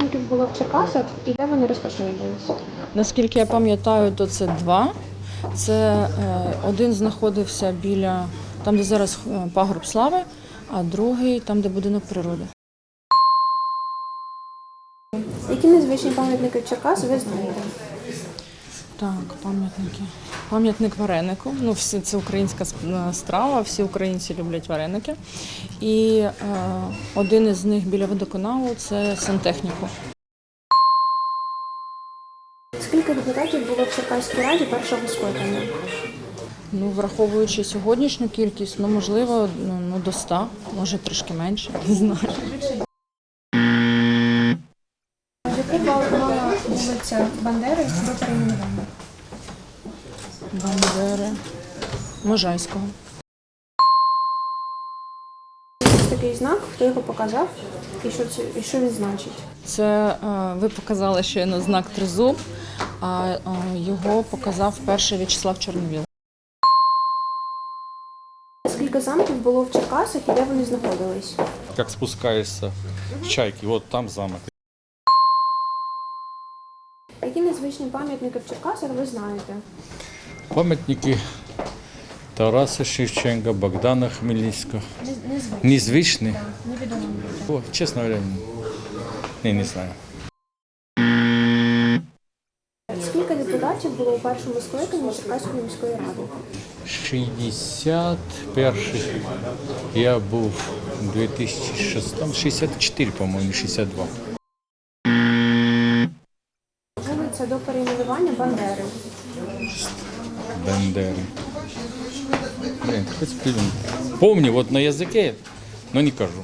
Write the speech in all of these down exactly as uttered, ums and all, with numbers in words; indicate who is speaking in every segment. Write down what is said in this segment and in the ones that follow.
Speaker 1: замків було в Черкасах і де вони розташовувалися?
Speaker 2: Наскільки я пам'ятаю, то це два. Це е, один знаходився біля, там, де зараз пагорб слави, а другий там, де будинок природи.
Speaker 1: Які незвичні пам'ятники в Черкасах ви знаєте?
Speaker 2: Так, пам'ятники. Пам'ятник варенику. Ну, всі, це українська страва, всі українці люблять вареники. І е, один із них біля водоканалу – це сантехніку.
Speaker 1: Скільки депутатів було в Черкаській раді першого скликання?
Speaker 2: Ну, враховуючи сьогоднішню кількість, ну, можливо, ну, до ста, може трішки менше, не знаю.
Speaker 1: Яку мала вулиця Бандери до перейменування?
Speaker 2: Бандери. Можайського.
Speaker 1: Ось такий знак, хто його показав і що, це, і що він значить?
Speaker 2: Це е, ви показали щойно знак тризуб, а е, його показав перший В'ячеслав Чорновіл.
Speaker 1: Скільки замків було в Черкасах і де вони знаходились?
Speaker 3: Как спускаешься с Чайки, вот там замок.
Speaker 1: Які незвичні пам'ятники в Черкасах ви знаєте?
Speaker 3: Пам'ятники Тараса Шевченка, Богдана Хмельницького.
Speaker 1: Незвичні.
Speaker 3: Незвичні?
Speaker 1: Так, невідомо люди.
Speaker 3: О, чесно говоря, не, не знаю.
Speaker 1: Скільки депутатів було у першому скликанні Черкаської міської ради?
Speaker 3: шістдесят перший. Я був у дві тисячі шостому, шістдесят чотири, по-моєму, шістдесят два.
Speaker 1: Вулиця до перейменування Бандери.
Speaker 3: Бандери. Блин, хоть фильм. Помню, вот на языке, но не кажу.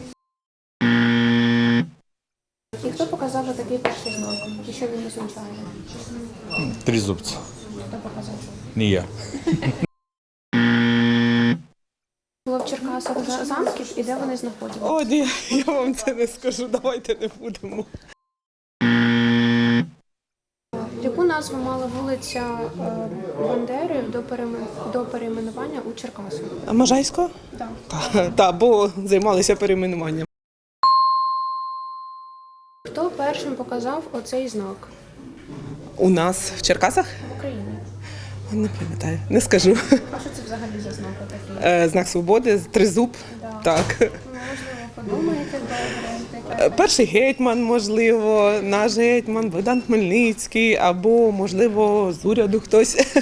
Speaker 1: І хто показав такий перший знак? І що він означає?
Speaker 3: Трезубцы.
Speaker 1: Хто показав?
Speaker 3: Не я.
Speaker 1: Було в Черкасах за- замків і де вони знаходилися?
Speaker 4: О, ні, я вам це не скажу, давайте не будемо.
Speaker 1: Яку назву мала вулиця е, Бандери до, переймен- до перейменування у Черкасах?
Speaker 4: А Можайського?
Speaker 1: Так.
Speaker 4: Так, та, бо займалися перейменуванням.
Speaker 1: Хто першим показав оцей знак
Speaker 4: У нас в Черкасах?
Speaker 1: в Україні?
Speaker 4: Не пам'ятаю, не скажу.
Speaker 1: А що це взагалі за знак такий?
Speaker 4: Е, Знак свободи, тризуб.
Speaker 1: Да.
Speaker 4: Так.
Speaker 1: Ну, можливо, подумаєте добре.
Speaker 4: Е, Перший гетьман, можливо, наш гетьман, Богдан Хмельницький, або, можливо, з уряду хтось.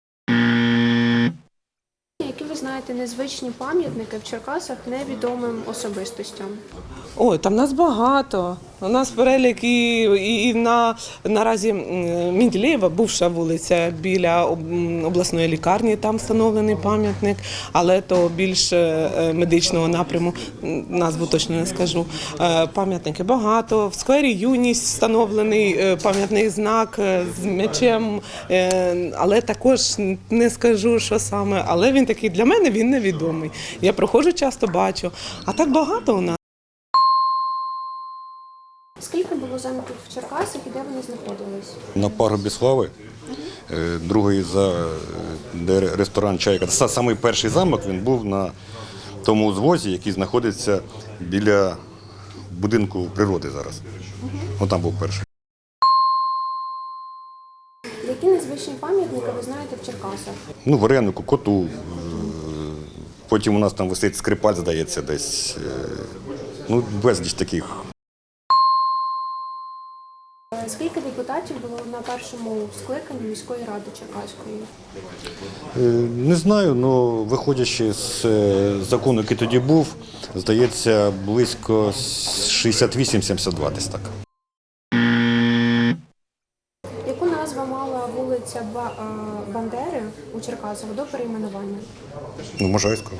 Speaker 1: Які ви знаєте незвичні пам'ятники в Черкасах невідомим особистостям?
Speaker 4: Ой, там нас багато. У нас перелік і, і, і на, наразі м, Менделєєва, бувша вулиця біля об- м, обласної лікарні, там встановлений пам'ятник, але то більш е, медичного напряму, м, назву точно не скажу. Е, Пам'ятники багато. В сквері Юність встановлений е, пам'ятний знак е, з м'ячем, е, але також не скажу, що саме. Але він такий, для мене він невідомий. Я проходжу часто, бачу. А так багато у нас.
Speaker 1: Скільки було замків в Черкасах і де вони знаходились?
Speaker 5: На пагорбі слави, е, другий за е, де ресторан Чайка. Це самий перший замок, він був на тому узвозі, який знаходиться біля будинку природи зараз. Ось там був перший.
Speaker 1: Які незвичні пам'ятники ви знаєте в Черкасах?
Speaker 5: Ну, варенику, коту. е, Потім у нас там висить скрипаль, здається, десь. е, Ну, безліч таких.
Speaker 1: Скільки депутатів було на першому скликанні міської ради Черкаської?
Speaker 5: Е, Не знаю, але виходячи з е, закону, який тоді був, здається, близько шістдесят вісім - сімдесят два десь так.
Speaker 1: Яку назву мала вулиця Ба- е, Бандери у Черкасах до перейменування?
Speaker 5: Ну, Можайського.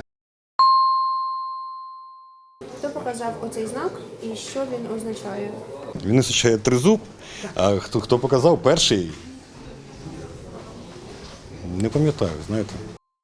Speaker 1: Хто показав оцей знак і що він означає?
Speaker 5: Він означає тризуб, а хто, хто показав перший, не пам'ятаю, знаєте.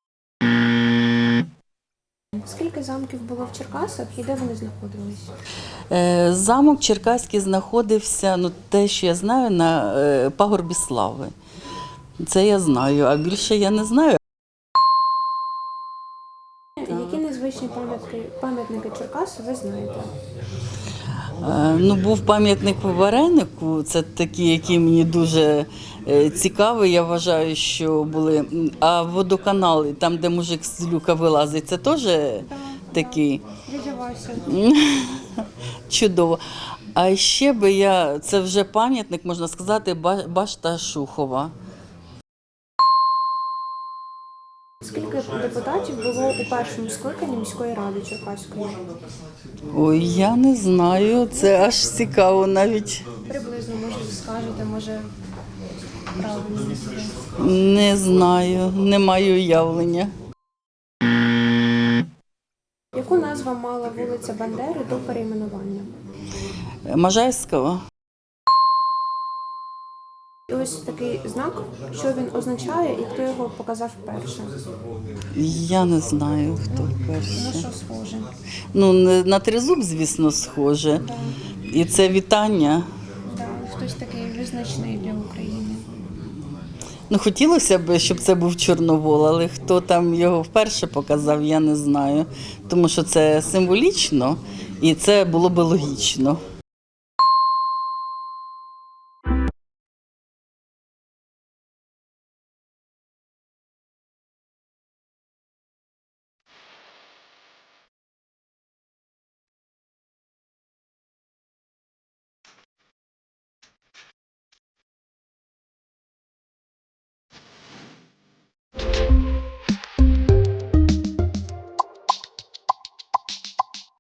Speaker 1: Скільки замків було в Черкасах і де вони знаходились?
Speaker 6: Е, Замок Черкаський знаходився, ну те, що я знаю, на е, пагорбі слави. Це я знаю, а більше я не знаю.
Speaker 1: Які незвичні історичні пам'ятки, пам'ятники Черкас ви знаєте?
Speaker 6: Е, Ну, був пам'ятник Варенику, це такі, які мені дуже е, цікаві, я вважаю, що були. А водоканали, там, де мужик з люка вилазить, це теж такий
Speaker 1: Дядя Вася.
Speaker 6: чудово. А ще би я, це вже пам'ятник, можна сказати, Ба- башта Шухова.
Speaker 1: Скільки депутатів було у першому скликанні міської ради Черкаської?
Speaker 6: Ой, я не знаю, це аж цікаво навіть.
Speaker 1: Приблизно, може, скажете, може, правильно не буде.
Speaker 6: Не знаю, не маю уявлення.
Speaker 1: Яку назву мала вулиця Бандери до перейменування?
Speaker 6: Можайського?
Speaker 1: І ось такий знак, що він означає і хто його показав вперше.
Speaker 6: Я не знаю, хто
Speaker 1: Ну,
Speaker 6: перший.
Speaker 1: що схоже.
Speaker 6: Ну, не- на тризуб, звісно, схоже. І це вітання.
Speaker 1: Да, хтось такий визначний для України.
Speaker 6: Ну, хотілося б, щоб це був Чорновол, але хто там його вперше показав, я не знаю. Тому що це символічно і це було б логічно.